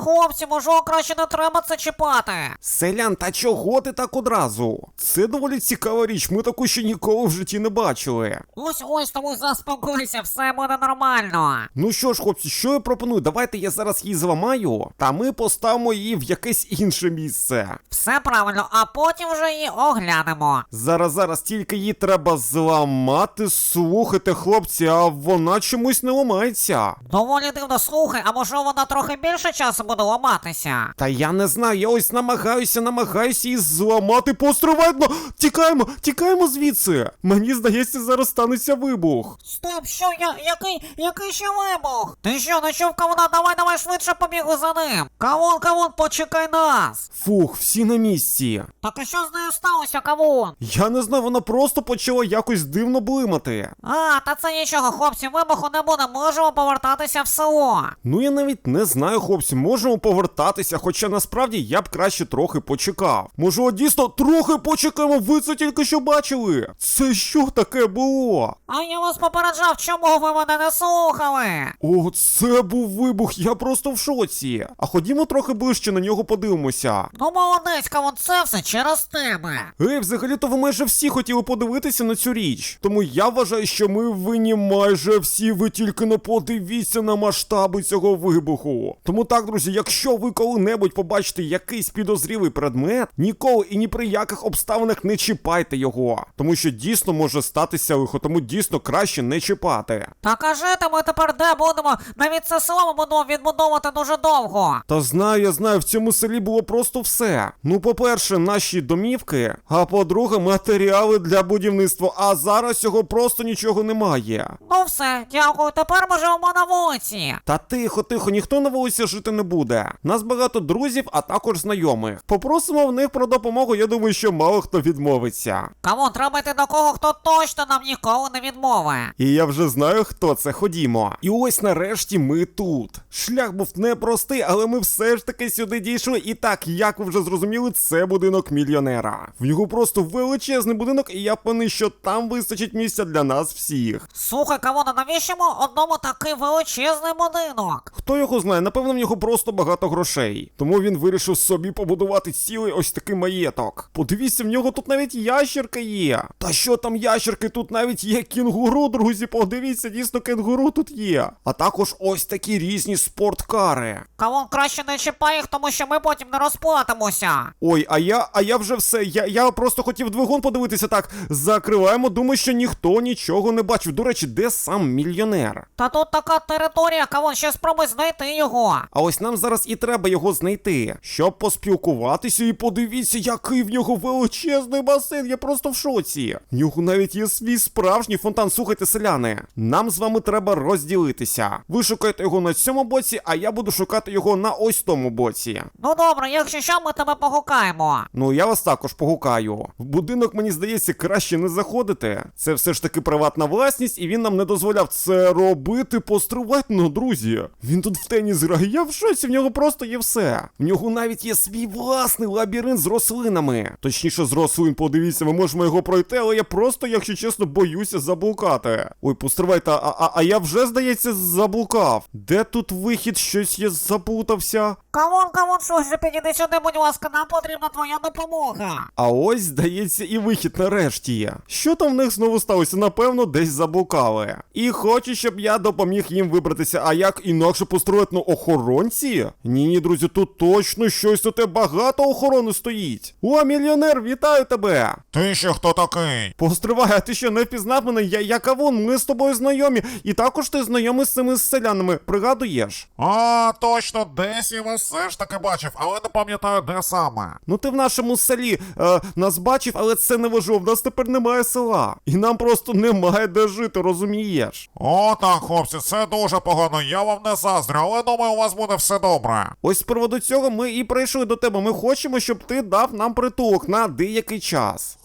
хлопці, можливо, краще не треба це чіпати. Селян, та чого ти так одразу? Це доволі цікава річ, ми таку ще ніколи в житті не бачили. Ось, тому заспокойся, все буде нормально. Ну що ж, хлопці, що я пропоную? Давайте я зараз її зламаю, та ми поставимо її в якесь інше місце. Все правильно, а потім вже її оглянемо. Зараз, тільки її треба зламати. Слухайте, хлопці, а вона чомусь не ламається. Доволі дивно, слухай, а може вона трохи більше часу буде ламатися? Та я не знаю, я ось намагаюся її зламати. Постривайно! Тікаємо звідси. Мені здається, зараз станеться вибух. Стоп, що, який ще вибух? Ти що, не чув кавуна? Давай швидше побігли за ним. Кавун, почекай нас. Фух, всі на місці. Так а що з нею сталося, кавун? Я не знаю, вона просто почала якось дивно блимати. Та це нічого, хлопці, вибуху не буде, можемо повертатися в село. Ну я навіть не знаю, хлопці, можемо повертатися, хоча насправді я б краще трохи почекав. Може, дійсно трохи почекаємо, ви це тільки що бачили? Це що таке було? А я вас попереджав, чому ви мене не слухали? О, це був вибух, я просто в шоці. А ходімо трохи ближче на нього подивимося. Ну молодець, кавун, це все через тебе. Взагалі-то ви майже всі хотіли подивитися на цю річ. Тому я вважаю, що ми винні майже всі, ви тільки не подивіться на масштаби цього вибуху. Тому так, друзі, якщо ви коли-небудь побачите якийсь підозрілий предмет, ніколи і ні при яких обставинах не чіпайте його. Тому що дійсно може статися лихо, тому дійсно краще не чіпати. Так а жити ми тепер де будемо? Навіть це село ми будемо відбудовувати дуже довго. Та знаю, я знаю, в цьому селі було просто все. Ну, по-перше, наші домівки, а по-друге, матеріали для будівництва, а зараз цього просто нічого немає. Ну все, дякую, тепер ми живемо на вулиці. Та тихо, ніхто на вулиці жити не буде. Нас багато друзів, а також знайомих. Попросимо в них про допомогу, я думаю, що мало хто відмовиться. Кавун, треба йти до кого, хто точно нам ніколи не відмовить. І я вже знаю, хто це, ходімо. І ось нарешті ми тут. Шлях був непростий, але ми все ж таки сюди дійшли. І так, як ви вже зрозуміли, це будинок мільйонера. В нього просто величезний будинок, і я певний, що там вистачить місця для нас всіх. Слухай, Кавун, а навіщо ми одному такий величезний будинок? Хто його знає, напевно, в нього просто багато грошей. Тому він вирішив собі побудувати цілий ось такий маєток. Подивіться, в нього тут навіть ящерка є. Та що там ящерки, тут навіть є кінгуру, друзі, подивіться, дійсно кенгуру тут є. А також ось такі різні спорткари. Кавун, краще не чіпай їх, тому що ми потім не розплатимося. Ой, а я вже все, я просто хотів двигун подивитися, так, закриваємо, думаю, що ніхто нічого не бачив. До речі, де сам мільйонер? Та тут така територія, Кавун, ще спробуй знайти його. А ось нам зараз і треба його знайти, щоб поспілкуватися, і подивіться, який в нього величезний басейн, я просто в шоці. В нього навіть є свій справжній фонтан. Слухайте, селяни, нам з вами треба розділитися. Ви шукаєте його на цьому боці, а я буду шукати його на ось тому боці. Ну добре, якщо що, ми тебе погукаємо. Ну, я вас також погукаю. В будинок, мені здається, краще не заходити. Це все ж таки приватна власність, і він нам не дозволяв це робити. Постривайте, ну, друзі. Він тут в теніс грає, я в шоці, в нього просто є все. В нього навіть є свій власний лабіринт з рослинами. Точніше, з рослин, подивіться, ми можемо його пройти, але я просто, якщо чесно, боюся заблукати. Ой, постривайте, а я вже, здається, заблукав. Де тут вихід? Щось я заплутався. Кавун, слухай, підійди сюди, будь ласка, нам потрібна твоя допомога. А ось, здається, і вихід нарешті є. Що там в них знову сталося? Напевно, десь заблукали. І хочу, щоб я допоміг їм вибратися. А як інакше построїти на охоронці? Ні, друзі, тут точно щось, тут багато охорони стоїть. О, мільйонер, вітаю тебе! Ти ще хто такий? Постривай, а ти що, не впізнав мене? Я Кавун, ми з тобою знайомі. І також ти знайомий з цими селянами, пригадуєш? А, точно, десь я вас все ж таки бачив, але не пам'ятаю, де саме. Ну ти в нашому селі нас бачив, але це не важливо, в нас тепер немає села. І нам просто немає де жити, розумієш? О, так, хлопці, це дуже погано, я вам не заздрю, але думаю, у вас буде все добре. Ось з приводу цього ми і прийшли до тебе. Ми хочемо, щоб ти дав нам притулок на деякий час.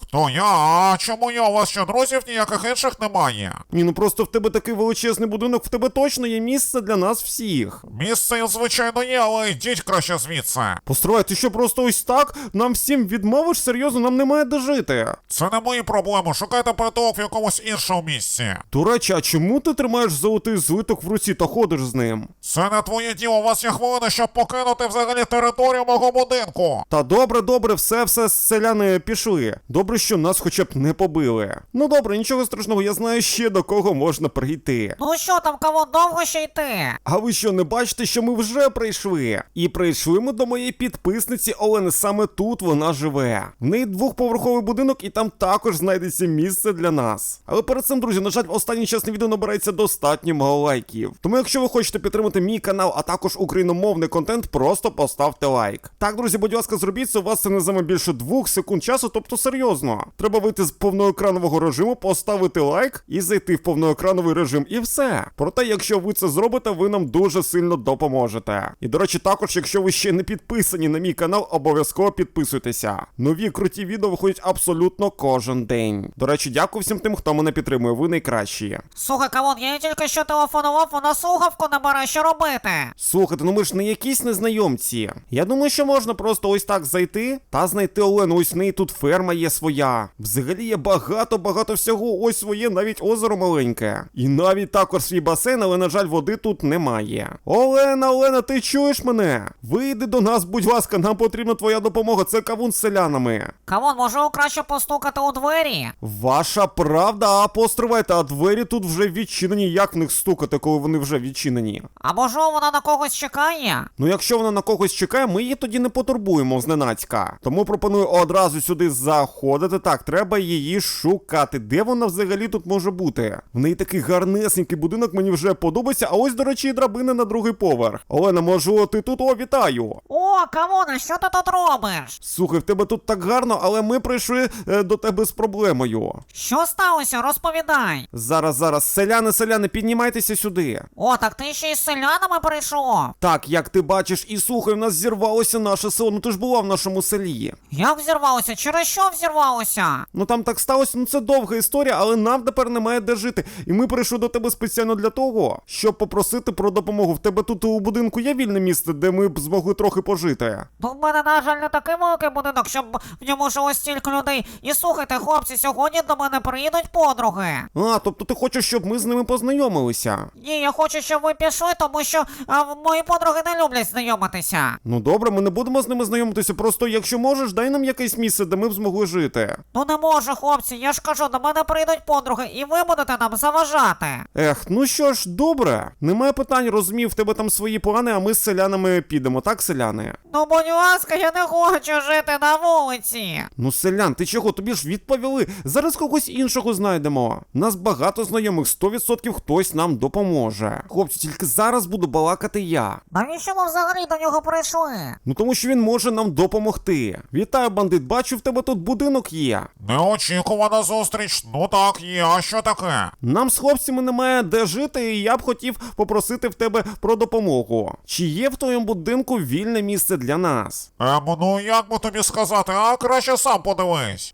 Хто я? А чому я? У вас що, друзів ніяких інших немає? Ні, ну просто в тебе такий величезний будинок, в тебе точно є місце для нас всіх. Місце, звичайно, є, але йдіть краще звідси. Постривай, ти що просто ось так нам всім відмовиш? Серйозно, нам немає де жити. Це не мої проблеми, шукайте притулок в якомусь іншому місці. До речі, а чому ти тримаєш золотий злиток в руці та ходиш з ним? Це не твоє діло, у вас є хвилина, щоб покинути взагалі територію мого будинку. Та добре, все, селяни пішли. Добре, що нас хоча б не побили. Ну добре, нічого страшного, я знаю ще до кого можна прийти. Ну що там, кавун, довго ще йти? А ви що, не бачите, що ми вже прийшли? І прийшли ми до моєї підписниці Олени, саме тут вона живе. В неї двохповерховий будинок і там також знайдеться місце для нас. Але перед цим, друзі, на жаль, останній час на відео набирається достатньо мало лайків. Тому якщо ви хочете підтримати мій канал, а також україномовний контент, просто поставте лайк. Так, друзі, будь ласка, зробіть це, у вас це не займе більше 2 секунд часу, тобто серйозно. Треба вийти з повноекранового режиму, поставити лайк і зайти в повноекрановий режим, і все. Проте, якщо ви це зробите, ви нам дуже сильно допоможете. І, до речі, також, якщо ви ще не підписані на мій канал, обов'язково підписуйтеся. Нові круті відео виходять абсолютно кожен день. До речі, дякую всім тим, хто мене підтримує, ви найкращі. Слухай, кавун, я їй тільки що телефонував, вона слухавку не бере, що робити? Слухайте, ну ми ж не якісь незнайомці. Я думаю, що можна просто ось так зайти та знайти Олену. Ось в неї тут ферма є своя. Взагалі є багато всього. Ось своє, навіть озеро маленьке. І навіть також свій басейн, але, на жаль, води тут немає. Олена, ти чуєш мене? Вийди до нас, будь ласка, нам потрібна твоя допомога. Це кавун з селянами. Кавун, може краще постукати у двері? Ваша правда, а постривайте, а двері тут вже відчинені. Як в них стукати, коли вони вже відчинені? А може вона на когось чекає? Ну, якщо вона на когось чекає, ми її тоді не потурбуємо зненацька. Тому пропоную одразу сюди заходити. Так, треба її шукати. Де вона взагалі тут може бути? В неї такий гарнесенький будинок, мені вже подобається. А ось, до речі, і драбина на другий поверх. Олена, можу, ти тут? О, вітаю! О, кавуне, що ти тут робиш? Слухай, в тебе тут так гарно, але ми прийшли до тебе з проблемою. Що сталося? Розповідай. Зараз, селяни, піднімайтеся сюди. О, так ти ще й з селянами прийшов? Так, як ти бачиш, і слухай, в нас зірвалося наше село. Ну ти ж була в нашому селі. Як взірвалося? Через що взірвалося? Ну там так сталося, ну це довга історія, але нам тепер немає де жити. І ми прийшли до тебе спеціально для того, щоб попросити про допомогу. В тебе тут у будинку є вільне місце, де ми б змогли трохи пожити? Ну, в мене, на жаль, не такий великий будинок, щоб в ньому жило стільки людей. І слухайте, хлопці, сьогодні до мене приїдуть подруги. А, тобто ти хочеш, щоб ми з ними познайомилися? Ні, я хочу, щоб ви пішли, тому що мої подруги не люблять знайомитися. Ну добре, ми не будемо з ними знайомитися, просто якщо можеш, дай нам якесь місце, де ми б змогли жити. Ну не можу, хлопці, я ж кажу, до мене прийдуть подруги, і ви будете нам заважати. Ех, ну що ж, добре. Немає питань, розумів, в тебе там свої плани, а ми з селянами підемо, так, селяни? Ну, будь ласка, я не хочу жити на вулиці. Ну, селян, ти чого? Тобі ж відповіли. Зараз когось іншого знайдемо. Нас багато знайомих, 100% хтось нам допоможе. Хлопці, тільки зараз буду балакати я. Навіщо ми взагалі до нього прийшли? Ну тому що він може нам допомогти. Вітаю, бандит, бачу, в тебе тут будинок є. Неочікувана зустріч. Ну так, є, а що таке? Нам з хлопцями немає де жити, і я б хотів попросити в тебе про допомогу. Чи є в твоєму будинку вільне місце для нас? Ну як би тобі сказати, а краще сам подивись.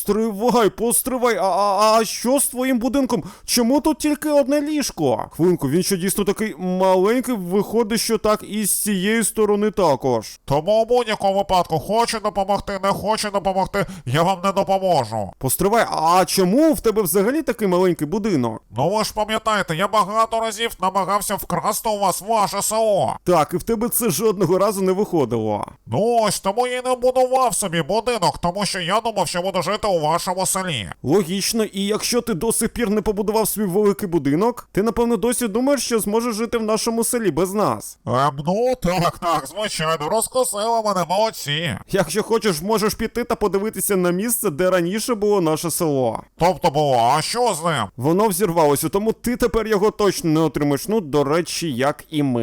Постривай, а що з твоїм будинком? Чому тут тільки одне ліжко? Хвилинку, він що дійсно такий маленький, виходить, що так і з цієї сторони також. Тому у будь-якому випадку хочу допомогти, не хочу допомогти, я вам не допоможу. Постривай, а чому в тебе взагалі такий маленький будинок? Ну ви ж пам'ятаєте, я багато разів намагався вкрасти у вас ваше село. Так, і в тебе це жодного разу не виходило. Ну ось, тому я й не будував собі будинок, тому що я думав, що буду жити у вашому селі. Логічно, і якщо ти до сих пір не побудував свій великий будинок, ти, напевно, досі думаєш, що зможеш жити в нашому селі без нас. Ну так, звичайно, розкусили мене, молодці. Якщо хочеш, можеш піти та подивитися на місце, де раніше було наше село. Тобто було, а що з ним? Воно взірвалося, тому ти тепер його точно не отримаєш. Ну, до речі, як і ми.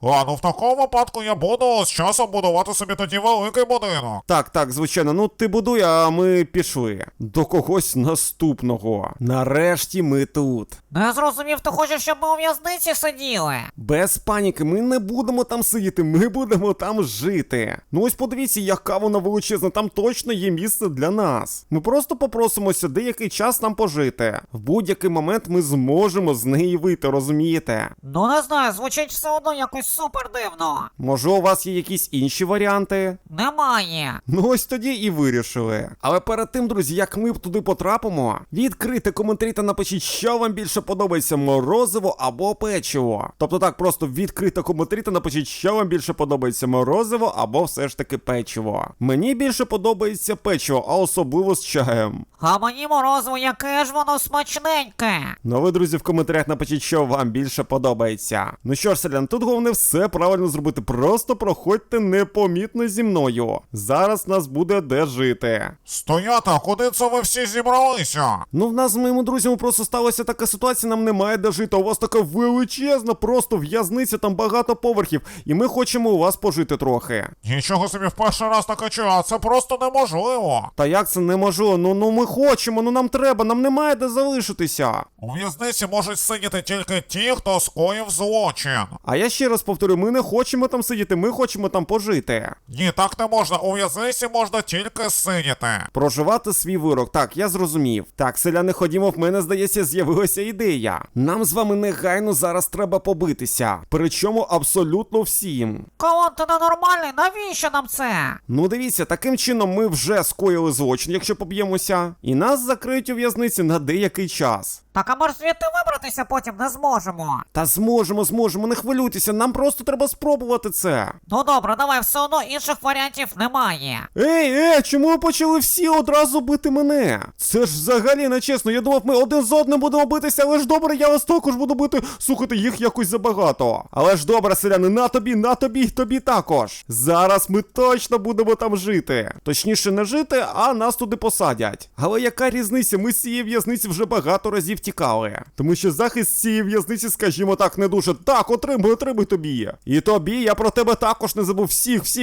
Ну в такому випадку я буду з часом будувати собі тоді великий будинок. Так, звичайно, ну ти будуй, а ми пішли. До когось наступного. Нарешті ми тут. Не зрозумів, ти хочеш, щоб ми у в'язниці сиділи? Без паніки, ми не будемо там сидіти, ми будемо там жити. Ну ось подивіться, яка вона величезна, там точно є місце для нас. Ми просто попросимося деякий час нам пожити. В будь-який момент ми зможемо з неї вийти, розумієте? Ну не знаю, звучить все одно якось супер дивно. Може, у вас є якісь інші варіанти? Немає. Ну ось тоді і вирішили. Але перед тим, друзі, як ми туди потрапимо, відкрийте коментарі та напишіть, що вам більше подобається, морозиво або печиво. Тобто так, просто відкрийте коментарі та напишіть, що вам більше подобається, морозиво або все ж таки печиво. Мені більше подобається печиво, а особливо з чаєм. А мені морозиво, яке ж воно смачненьке. Ну ви, друзі, в коментарях напишіть, що вам більше подобається. Ну що ж, селян, тут головне все правильно зробити. Просто проходьте непомітно зі мною. Зараз нас буде де жити. Стояти, а куди це ви всі зібралися? Ну в нас з моїми друзями просто сталася така ситуація, нам немає де жити. У вас така величезна просто в'язниця, там багато поверхів. І ми хочемо у вас пожити трохи. Нічого собі в перший раз таке чую, а це просто неможливо. Та як це неможливо? Ну ми хочемо, ну нам треба, нам немає де залишитися. У в'язниці можуть сидіти тільки ті, хто скоїв злочин. А я ще раз повторю, ми не хочемо там сидіти, ми хочемо там пожити. Ні, так не можна, у в'язниці можна тільки сидіти. Проживати свій вирок. Так, я зрозумів. Так, селяни, ходімо, в мене, здається, з'явилася ідея. Нам з вами негайно зараз треба побитися. Причому абсолютно всім. Кавун, ти ненормальний, навіщо нам це? Ну дивіться, таким чином ми вже скоїли злочин, якщо поб'ємося. І нас закриють у в'язниці на деякий час. Так, а ми ж звідти вибратися потім не зможемо. Та зможемо, не хвилюйтеся, нам просто треба спробувати це. Ну добре, давай, все одно інших варіантів немає. Ей, чому ви почали всі одразу бити мене? Це ж взагалі не чесно, я думав, ми один з одним будемо битися, але ж добре, я вас також буду бити. Слухайте, їх якось забагато. Але ж добре, селяни, на тобі, і тобі також. Зараз ми точно будемо там жити. Точніше, не жити, а нас туди посадять. Але яка різниця, ми з цієї в'язниці вже багато разів тікали. Тому що захист цієї в'язниці, скажімо так, не дуже. Так, отримуй тобі. І тобі, я про тебе також не забув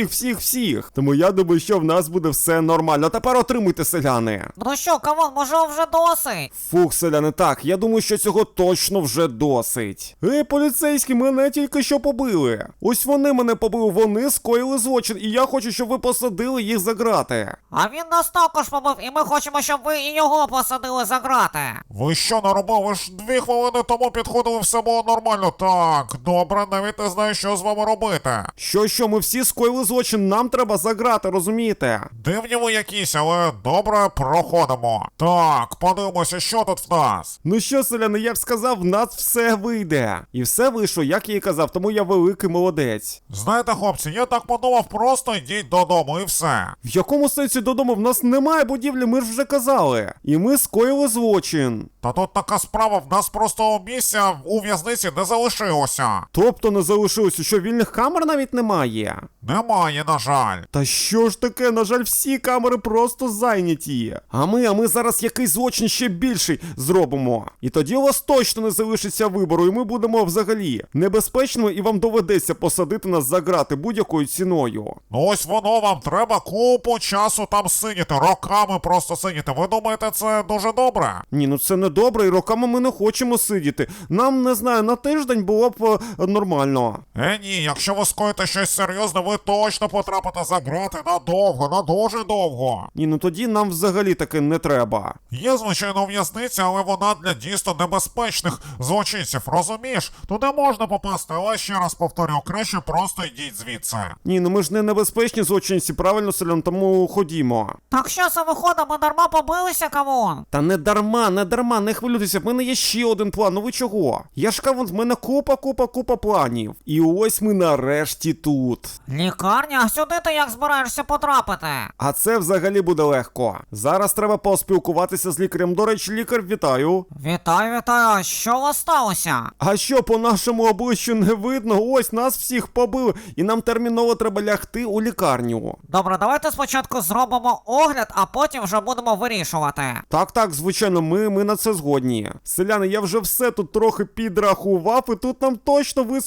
всіх. Тому я думаю, що в нас буде все нормально. Тепер отримуйте, селяни. Ну що, Кавун, може вже досить? Фух, селяни, так, я думаю, що цього точно вже досить. Поліцейські, мене тільки що побили. Ось вони мене побили, вони скоїли злочин, і я хочу, щоб ви посадили їх за грати. А він нас також побив, і ми хочемо, щоб ви і його посадили за грати. Ви що наробили? Ви ж 2 хвилини тому підходили, все було нормально. Так, добре, навіть не знаю, що з вами робити. Що, ми всі скоїли злочин, нам треба за грати, розумієте? Дивні ви якісь, але добре, проходимо. Так, подивимося, що тут в нас. Ну що, селяни, я ж сказав, в нас все вийде. І все вийшло, як я і казав, тому я великий молодець. Знаєте, хлопці, я так подумав, просто йдіть додому і все. В якому сенсі додому? В нас немає будівлі, ми ж вже казали. І ми скоїли злочин. Та тут така справа, в нас просто місця у в'язниці не залишилося. Тобто не залишилося, що вільних камер навіть немає? Немає, на жаль. Та що ж таке, на жаль, всі камери просто зайняті. А ми зараз якийсь злочин ще більший зробимо. І тоді у вас точно не залишиться вибору, і ми будемо взагалі небезпечними, і вам доведеться посадити нас за грати будь-якою ціною. Ну ось воно, вам треба купу часу там сидіти, роками просто сидіти. Ви думаєте, це дуже добре? Ні, ну це не добре, і роками ми не хочемо сидіти. Нам, не знаю, на тиждень було б нормально. Ні, якщо ви скоїте щось серйозне, ви точно потрапите за грати надовго, на дуже довго. Ні, ну тоді нам взагалі таки не треба. Є, звичайно, в'язниця, але вона для дійсно небезпечних злочинців, розумієш? Туди можна попасти, але ще раз повторю, краще просто йдіть звідси. Ні, ну ми ж не небезпечні злочинці, правильно, селян, тому ходімо. Так що це виходить, ми дарма побилися, Кавун? Та не дарма, не хвилюйтеся, в мене є ще один план, ну ви чого? Я ж кажу, в мене купа планів. І ось ми нарешті тут. Лікарня? А сюди ти як збираєшся потрапити? А це взагалі буде легко. Зараз треба поспілкуватися з лікарем. До речі, лікар, вітаю. Вітаю, а що у вас сталося? А що, по нашому обличчю не видно? Ось нас всіх побили, і нам терміново треба лягти у лікарню. Добре, давайте спочатку зробимо огляд, а потім вже будемо вирішувати. Так, звичайно, ми на це згодні. Селяни, я вже все тут трохи підрахував, і тут нам точно вистачить місця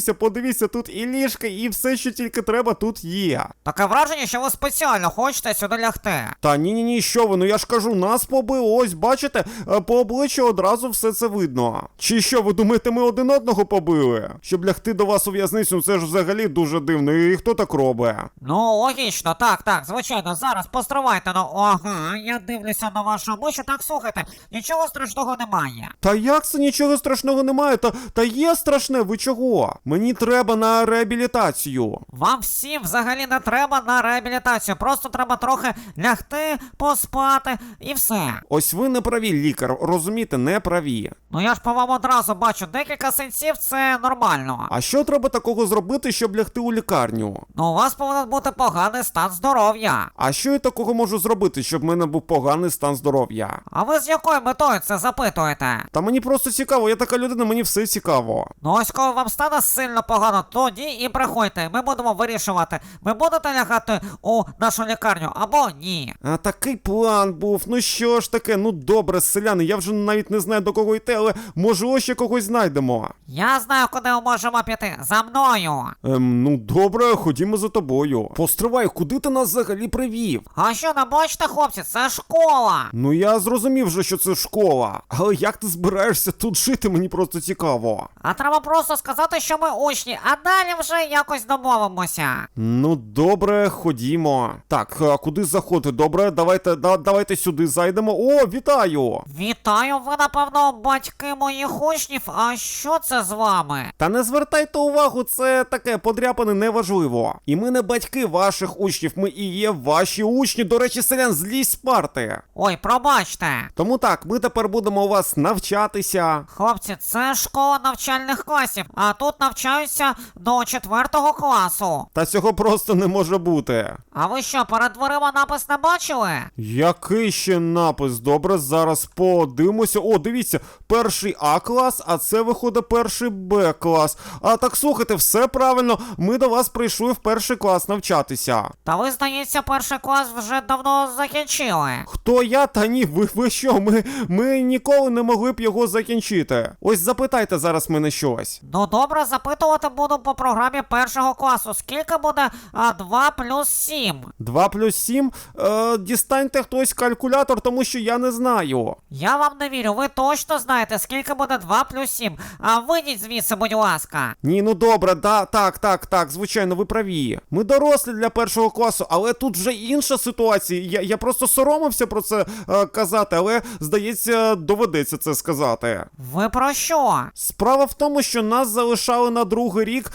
подивіться, тут і ліжка, і все, що тільки треба, тут є. Таке враження, що ви спеціально хочете сюди лягти. Та ні, що ви, ну я ж кажу, нас побили, ось, бачите, по обличчю одразу все це видно. Чи що, ви думаєте, ми один одного побили? Щоб лягти до вас у в'язницю, це ж взагалі дуже дивно, і хто так робить? Ну, логічно, так, звичайно, зараз постривайте, ну, ага, я дивлюся на ваше обличчя, так, слухайте, нічого страшного немає. Та як це нічого страшного немає? Та є страшне, ви чого? Мені треба на реабілітацію. Вам всім взагалі не треба на реабілітацію, просто треба трохи лягти, поспати і все. Ось ви не праві, лікар, розумієте, не праві. Ну я ж по вам одразу бачу, декілька синців це нормально. А що треба такого зробити, щоб лягти у лікарню? Ну у вас повинен бути поганий стан здоров'я. А що я такого можу зробити, щоб в мене був поганий стан здоров'я? А ви з якою метою це запитуєте? Та мені просто цікаво, я така людина, мені все цікаво. Ну ось коли вам стане сильно погано, тоді і приходьте, ми будемо вирішувати, ви будете лягати у нашу лікарню або ні. А такий план був, ну що ж таке, ну добре, селяни, я вже навіть не знаю до кого йти, але можливо ще когось знайдемо. Я знаю, куди ми можемо піти, за мною. Ну добре, ходімо за тобою. Постривай, куди ти нас взагалі привів? А що, не бачите, хлопці, це школа. Ну я зрозумів вже, що це школа, але як ти збираєшся тут жити, мені просто цікаво. А треба просто сказати, що ми учні, а далі вже якось домовимося. Ну добре, ходімо. Так, а куди заходити? Добре, давайте сюди зайдемо. О, вітаю! Вітаю, ви, напевно, батьки моїх учнів, а що це з вами? Та не звертайте увагу, це таке подряпане неважливо. І ми не батьки ваших учнів, ми і є ваші учні. До речі, селян, злізь з парти. Ой, пробачте. Тому так, ми тепер будемо у вас навчатися. Хлопці, це школа навчальних класів, а тут навчаються до 4-го класу. Та цього просто не може бути. А ви що, перед дверима напис не бачили? Який ще напис? Добре, зараз подивимося. О, дивіться, перший А клас, а це виходить перший Б клас. А так слухайте, все правильно, ми до вас прийшли в перший клас навчатися. Та ви, здається, перший клас вже давно закінчили. Хто я? Та ні, ви що? Ми ніколи не могли б його закінчити. Ось запитайте зараз мене щось. Ну добре, запитувати буду по програмі першого класу. Скільки буде 2 плюс 7? 2 плюс 7? Дістаньте хтось калькулятор, тому що я не знаю. Я вам не вірю, ви точно знаєте, скільки буде 2 плюс 7. А вийдіть звідси, будь ласка. Ні, ну добре, так, звичайно, ви праві. Ми дорослі для першого класу, але тут вже інша ситуація. Я просто соромився про це казати, але, здається, доведеться це сказати. Ви про що? Справа в тому, що нас залишали на другий рік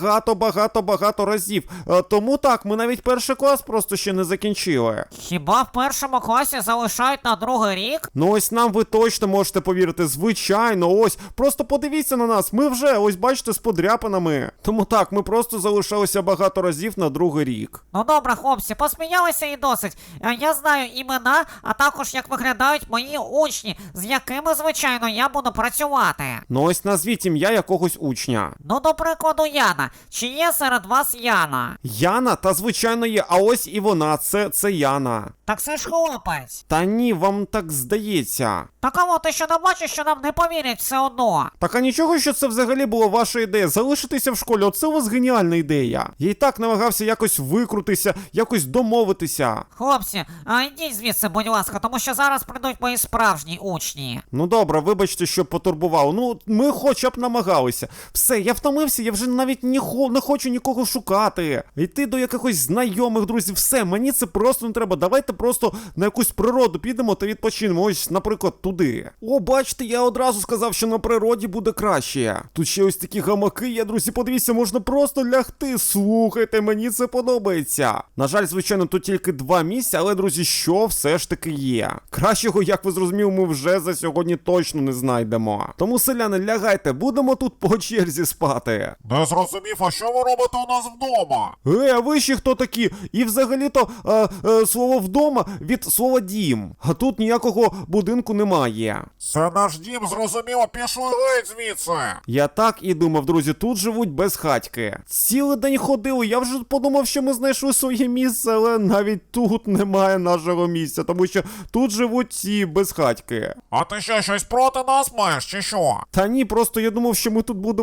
багато разів. Тому так, ми навіть перший клас просто ще не закінчили. Хіба в першому класі залишають на другий рік? Ну ось нам ви точно можете повірити, звичайно, ось. Просто подивіться на нас, ми вже, ось бачите, з подряпинами. Тому так, ми просто залишалися багато разів на другий рік. Ну добре, хлопці, посміялися і досить. Я знаю імена, а також як виглядають мої учні, з якими, звичайно, я буду працювати. Ну ось назвіть ім'я якогось учня. Ну, до прикладу, Яна. Чи є серед вас Яна? Яна? Та звичайно є, а ось і вона, це Яна. Так це ж хлопець. Та ні, вам так здається. Та кого ти ще не бачиш, що нам не повірять все одно? Так а нічого, що це взагалі була ваша ідея, залишитися в школі, оце у вас геніальна ідея. Я і так намагався якось викрутися, якось домовитися. Хлопці, йдіть звідси, будь ласка, тому що зараз прийдуть мої справжні учні. Ну добре, вибачте, що потурбував. Ну, ми хоча б намагалися. Все, я втомився, я вже навіть не хочу нікого шукати. Йти до якихось знайомих друзів, все, мені це просто не треба. Давайте просто на якусь природу підемо та відпочинемо. Ось, наприклад, туди. О, бачите, я одразу сказав, що на природі буде краще. Тут ще ось такі гамаки є, друзі, подивіться, можна просто лягти. Слухайте, мені це подобається. На жаль, звичайно, тут тільки 2 місця, але, друзі, що все ж таки є. Кращого, як ви зрозуміли, ми вже за сьогодні точно не знайдемо. Тому, селяни, лягайте, будемо тут по черзі спати. Не зрозумів, а що ви робите у нас вдома? А ви ще хто такі? І взагалі-то слово «вдома» від слова «дім». А тут ніякого будинку немає. Це наш дім, зрозуміло, пішли геть звідси. Я так і думав, друзі, тут живуть безхатьки. Цілий день ходили, я вже подумав, що ми знайшли своє місце, але навіть тут немає нашого місця, тому що тут живуть ці безхатьки. А ти що, щось проти нас маєш, чи що? Та ні, просто я думав, що ми тут будемо жити.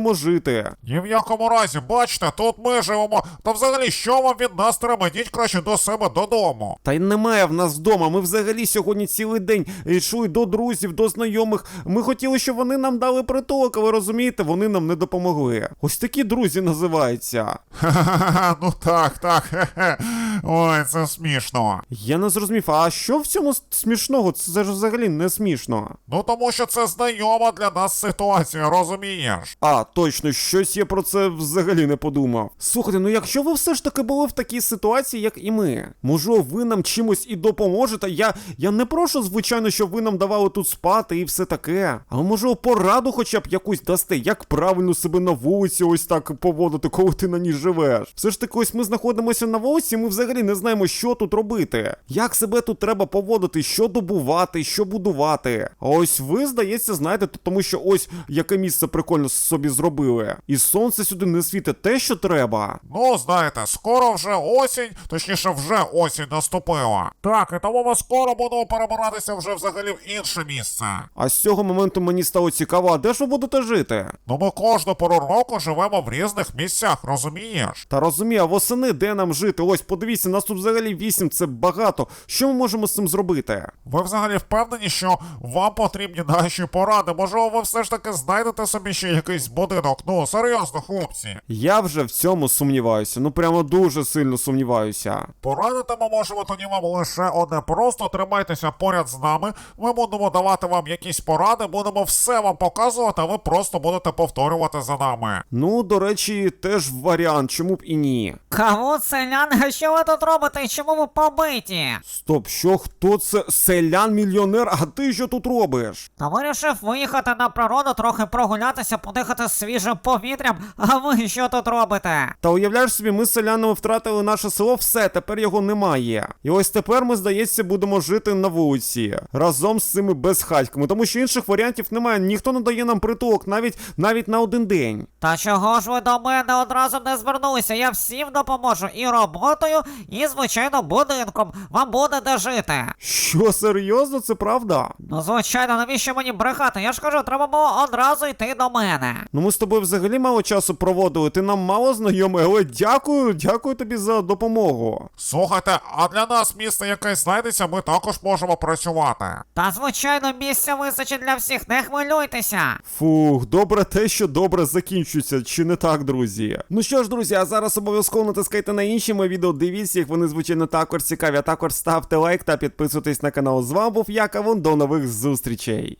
жити. Ні в якому разі, бачите, тут ми живемо. Та взагалі, що вам від нас треба? Йдіть краще до себе додому. Та й немає в нас вдома. Ми взагалі сьогодні цілий день йшли до друзів, до знайомих. Ми хотіли, щоб вони нам дали притулок, але розумієте, вони нам не допомогли. Ось такі друзі називаються. Ха-ха-ха, ну так, хе-хе. Ой, це смішно. Я не зрозумів, а що в цьому смішного? Це ж взагалі не смішно. Ну тому що це знайома для нас ситуація, розумієш? А, точно, щось я про це взагалі не подумав. Слухайте, ну якщо ви все ж таки були в такій ситуації, як і ми, може ви нам чимось і допоможете? Я не прошу, звичайно, щоб ви нам давали тут спати і все таке. Але може пораду хоча б якусь дасте, як правильно себе на вулиці ось так поводити, коли ти на ній живеш. Все ж таки, ось ми знаходимося на вулиці, ми взагалі не знаємо, що тут робити. Як себе тут треба поводити, що добувати, що будувати. А ось ви, здається, знаєте, тому що ось яке місце прикольно собі зробили. І сонце сюди не світить те, що треба. Ну, знаєте, скоро вже осінь, точніше вже осінь наступила. Так, і тому ми скоро будемо перебиратися вже взагалі в інше місце. А з цього моменту мені стало цікаво, а де ж ви будете жити? Ну ми кожну пору року живемо в різних місцях, розумієш? Та розумію, а восени де нам жити? Ось, подивіться, нас тут взагалі 8, це багато. Що ми можемо з цим зробити? Ви взагалі впевнені, що вам потрібні наші поради? Можливо, ви все ж таки знайдете собі ще якийсь будинок? Ну, серйозно, хлопці. Я вже в цьому сумніваюся, ну прямо дуже сильно сумніваюся. Порадити ми можемо тоді вам лише одне. Просто тримайтеся поряд з нами. Ми будемо давати вам якісь поради, будемо все вам показувати, а ви просто будете повторювати за нами. Ну, до речі, теж варіант, чому б і ні. Кого, селяни, що ви тут робите і чому ви побиті? Стоп, що, хто це? Селян-мільйонер? А ти що тут робиш? Та вирішив виїхати на природу, трохи прогулятися, подихати свіжим повітрям, а ви що тут робите? Та уявляєш собі, ми з селянами втратили наше село, все, тепер його немає. І ось тепер ми, здається, будемо жити на вулиці, разом з цими безхатьками, тому що інших варіантів немає, ніхто не дає нам притулок навіть на один день. Та чого ж ви до мене одразу не звернулися? Я всім допоможу і роботою, і, звичайно, будинком. Вам буде де жити. Що, серйозно, це правда? Ну, звичайно, навіщо мені брехати? Я ж кажу, треба було одразу йти до мене. Ну ми з тобою взагалі мало часу проводили, ти нам мало знайомий, але дякую тобі за допомогу. Слухайте, а для нас місце якесь знайдеться, ми також можемо працювати. Та, звичайно, місця вистачить для всіх, не хвилюйтеся. Фух, добре те, що добре закінчується, чи не так, друзі? Ну що ж, друзі, а зараз обов'язково натискайте на інші мої відео, дивіться їх, вони, звичайно, також цікаві, а також ставте лайк та підписуйтесь на канал. З вами був я, Кавун, до нових зустрічей.